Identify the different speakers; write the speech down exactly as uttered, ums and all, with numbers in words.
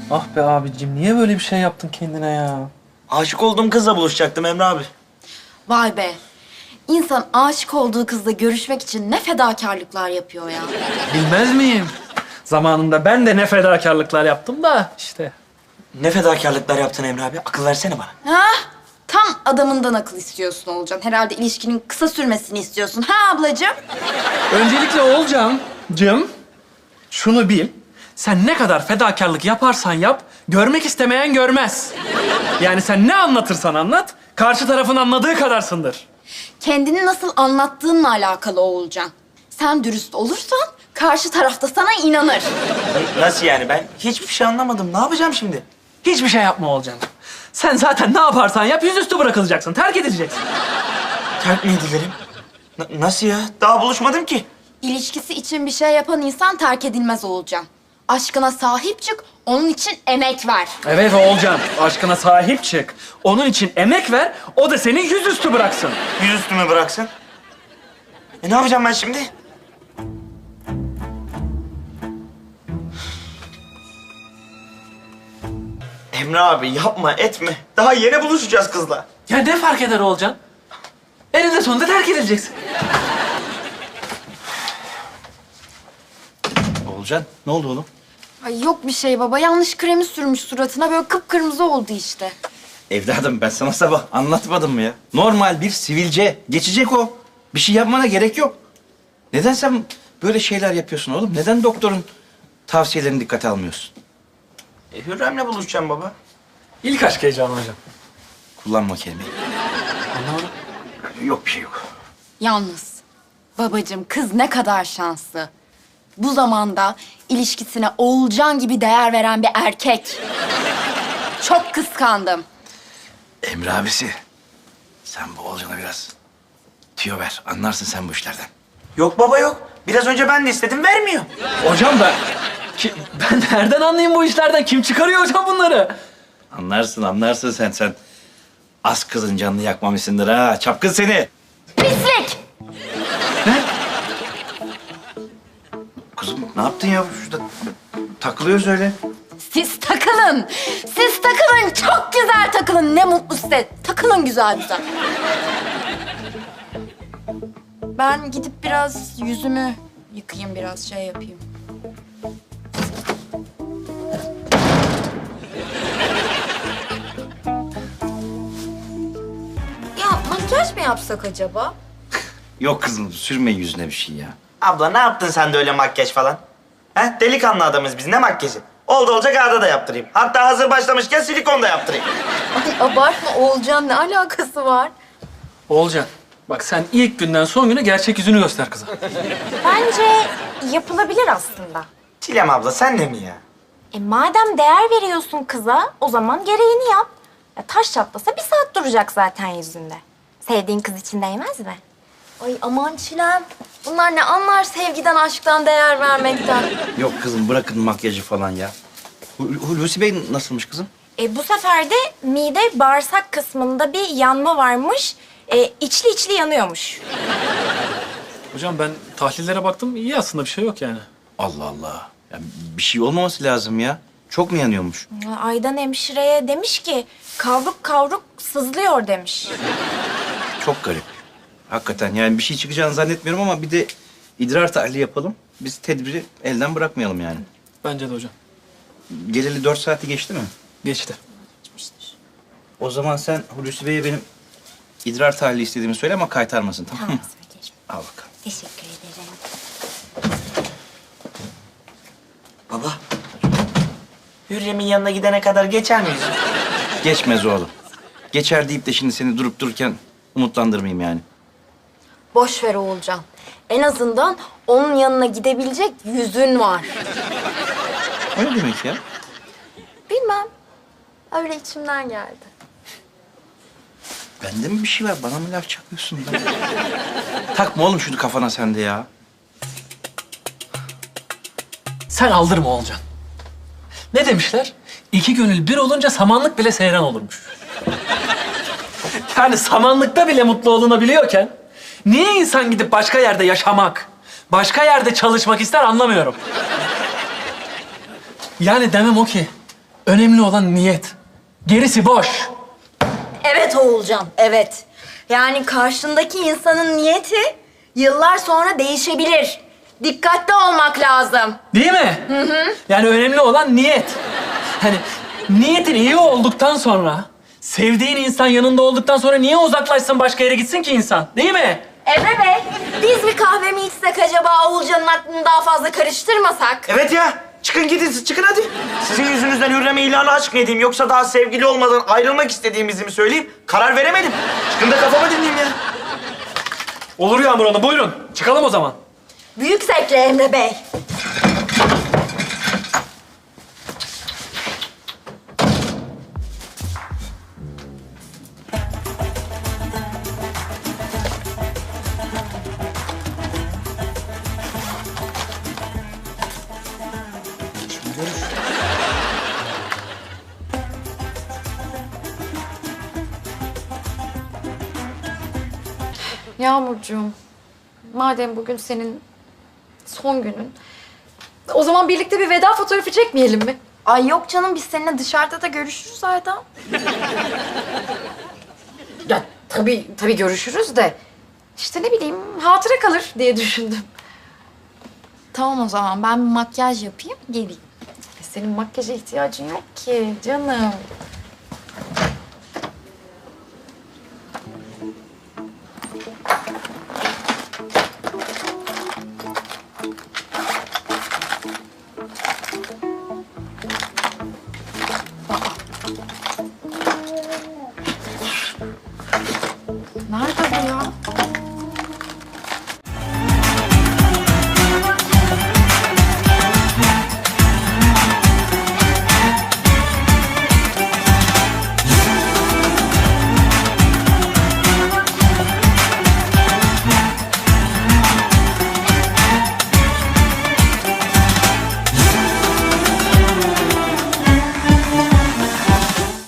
Speaker 1: Ah be abicim, niye böyle bir şey yaptın kendine ya?
Speaker 2: Aşık olduğum kızla buluşacaktım Emre abi.
Speaker 3: Vay be. İnsan aşık olduğu kızla görüşmek için ne fedakarlıklar yapıyor ya.
Speaker 1: Bilmez miyim? Zamanında ben de ne fedakarlıklar yaptım da işte.
Speaker 2: Ne fedakarlıklar yaptın Emre abi? Akıl versene bana.
Speaker 3: Ha? Tam adamından akıl istiyorsun Olcan. Herhalde ilişkinin kısa sürmesini istiyorsun. Ha ablacığım?
Speaker 1: Öncelikle Oğulcan'cığım, şunu bil. Sen ne kadar fedakarlık yaparsan yap, görmek istemeyen görmez. Yani sen ne anlatırsan anlat, karşı tarafın anladığı kadarsındır.
Speaker 3: Kendini nasıl anlattığınla alakalı Oğulcan. Sen dürüst olursan karşı tarafta sana inanır.
Speaker 2: Nasıl yani? Ben hiçbir şey anlamadım. Ne yapacağım şimdi?
Speaker 1: Hiçbir şey yapma Oğulcan. Sen zaten ne yaparsan yap, yüzüstü bırakılacaksın, terk edileceksin.
Speaker 2: Terk mi edilerim? Na- nasıl ya? Daha buluşmadım ki.
Speaker 3: İlişkisi için bir şey yapan insan terk edilmez Oğulcan. Aşkına sahip çık, onun için emek ver.
Speaker 1: Evet Oğulcan, aşkına sahip çık. Onun için emek ver, o da seni yüzüstü bıraksın.
Speaker 2: Yüzüstü mü bıraksın? E ne yapacağım ben şimdi? Emre abi yapma etme. Daha yeni buluşacağız kızla.
Speaker 1: Ya ne fark eder Oğulcan? Eninde sonunda terk edileceksin.
Speaker 4: Olcan, ne oldu oğlum?
Speaker 3: Ay yok bir şey baba. Yanlış kremi sürmüş suratına. Böyle kıpkırmızı oldu işte.
Speaker 4: Evladım ben sana sabah anlatmadım mı ya? Normal bir sivilce. Geçecek o. Bir şey yapmana gerek yok. Neden sen böyle şeyler yapıyorsun oğlum? Neden doktorun tavsiyelerini dikkate almıyorsun?
Speaker 2: E, Hürrem'le buluşacağım baba.
Speaker 1: İlk aşk heyecanı hocam.
Speaker 4: Kullanma o kelimeyi.
Speaker 1: Anlamadım.
Speaker 4: Yok bir şey yok.
Speaker 3: Yalnız babacığım kız ne kadar şanslı. Bu zamanda ilişkisine Oğulcan gibi değer veren bir erkek. Çok kıskandım.
Speaker 4: Emre abisi, sen bu Olcan'a biraz tüyo ver. Anlarsın sen bu işlerden.
Speaker 2: Yok baba yok. Biraz önce ben de istedim vermiyor.
Speaker 1: Hocam ben... Ki, ben nereden anlayayım bu işlerden? Kim çıkarıyor hocam bunları?
Speaker 4: Anlarsın, anlarsın sen. Sen az kızın canını yakmamışsındır ha. Çapkın seni.
Speaker 3: Pislik!
Speaker 4: Kızım ne yaptın ya? Şurada takılıyoruz öyle.
Speaker 3: Siz takılın. Siz takılın. Çok güzel takılın. Ne mutlu size. Takılın güzel güzel. Ben gidip biraz yüzümü yıkayayım, biraz şey yapayım. Ya makyaj mı yapsak acaba?
Speaker 4: Yok kızım, sürme yüzüne bir şey ya.
Speaker 2: Abla ne yaptın sen de öyle makyaj falan? He? Delikanlı adamız biz. Ne makyajı? Oldu olacak ağda da yaptırayım. Hatta hazır başlamışken silikon da yaptırayım.
Speaker 3: Ay abartma Oğulcan, ne alakası var?
Speaker 1: Oğulcan, bak sen ilk günden son güne gerçek yüzünü göster kıza.
Speaker 5: Bence yapılabilir aslında.
Speaker 2: Çilem abla sen de mi ya?
Speaker 5: E madem değer veriyorsun kıza, o zaman gereğini yap. Ya taş çatlasa bir saat duracak zaten yüzünde. Sevdiğin kız için değmez mi?
Speaker 3: Ay aman Çilem. Bunlar ne anlar sevgiden, aşktan, değer vermekten.
Speaker 4: Yok kızım, bırakın makyajı falan ya. Hu- Hulusi Bey nasılmış kızım?
Speaker 5: E bu sefer de mide bağırsak kısmında bir yanma varmış. E, içli içli yanıyormuş.
Speaker 1: Hocam ben tahlillere baktım, iyi aslında bir şey yok yani.
Speaker 4: Allah Allah. Ya bir şey olmaması lazım ya. Çok mu yanıyormuş?
Speaker 5: Aydan hemşireye demiş ki kavruk kavruk sızlıyor demiş.
Speaker 4: Çok garip. Hakikaten yani bir şey çıkacağını zannetmiyorum ama bir de idrar tahlili yapalım. Biz tedbiri elden bırakmayalım yani.
Speaker 1: Bence de hocam.
Speaker 4: Geleli dört saati geçti mi?
Speaker 1: Geçti.
Speaker 4: O zaman sen Hulusi Bey'e benim idrar tahlili istediğimi söyle ama kaytarmasın, tamam mı?
Speaker 5: Tamam söyleyeceğim.
Speaker 4: Al bakalım.
Speaker 5: Teşekkür ederim.
Speaker 2: Baba. Hürrem'in yanına gidene kadar geçer miyiz?
Speaker 4: Geçmez oğlum. Geçer deyip de şimdi seni durup dururken umutlandırmayayım yani.
Speaker 3: Boş ver Oğulcan. En azından onun yanına gidebilecek yüzün var.
Speaker 4: O ne demek ya?
Speaker 3: Bilmem. Öyle içimden geldi.
Speaker 4: Bende mi bir şey var? Bana mı laf çakıyorsun ben? Takma oğlum şunu kafana sen de ya.
Speaker 1: Sen aldırma Oğulcan. Ne demişler? İki gönül bir olunca samanlık bile seyran olurmuş. Yani samanlıkta bile mutlu olunabiliyorken... niye insan gidip başka yerde yaşamak, başka yerde çalışmak ister anlamıyorum. Yani demem o ki... Önemli olan niyet. Gerisi boş.
Speaker 6: Evet Oğulcan, evet. Yani karşındaki insanın niyeti yıllar sonra değişebilir. Dikkatli olmak lazım.
Speaker 1: Değil mi? Hı hı. Yani önemli olan niyet. Hani niyetin iyi olduktan sonra, sevdiğin insan yanında olduktan sonra niye uzaklaşsın, başka yere gitsin ki insan? Değil mi?
Speaker 6: Emre Bey, biz bir kahve mi içsek acaba, Oğulcan'ın aklını daha fazla karıştırmasak?
Speaker 2: Evet ya. Çıkın gidin siz, çıkın hadi. Sizin yüzünüzden Hürrem'e ilanı aşk mı edeyim yoksa daha sevgili olmadan ayrılmak istediğimizi mi söyleyeyim? Karar veremedim. Çıkın da kafamı dinleyeyim ya.
Speaker 1: Olur Yağmur Hanım, buyurun. Çıkalım o zaman.
Speaker 6: Büyük zevkle Emre Bey.
Speaker 7: Yağmurcuğum, madem bugün senin son günün, o zaman birlikte bir veda fotoğrafı çekmeyelim mi?
Speaker 3: Ay yok canım, biz seninle dışarıda da görüşürüz Ayda.
Speaker 7: Ya tabii, tabii görüşürüz de işte ne bileyim hatıra kalır diye düşündüm.
Speaker 3: Tamam o zaman, ben bir makyaj yapayım, geleyim.
Speaker 7: E, Senin makyaja ihtiyacın yok ki canım.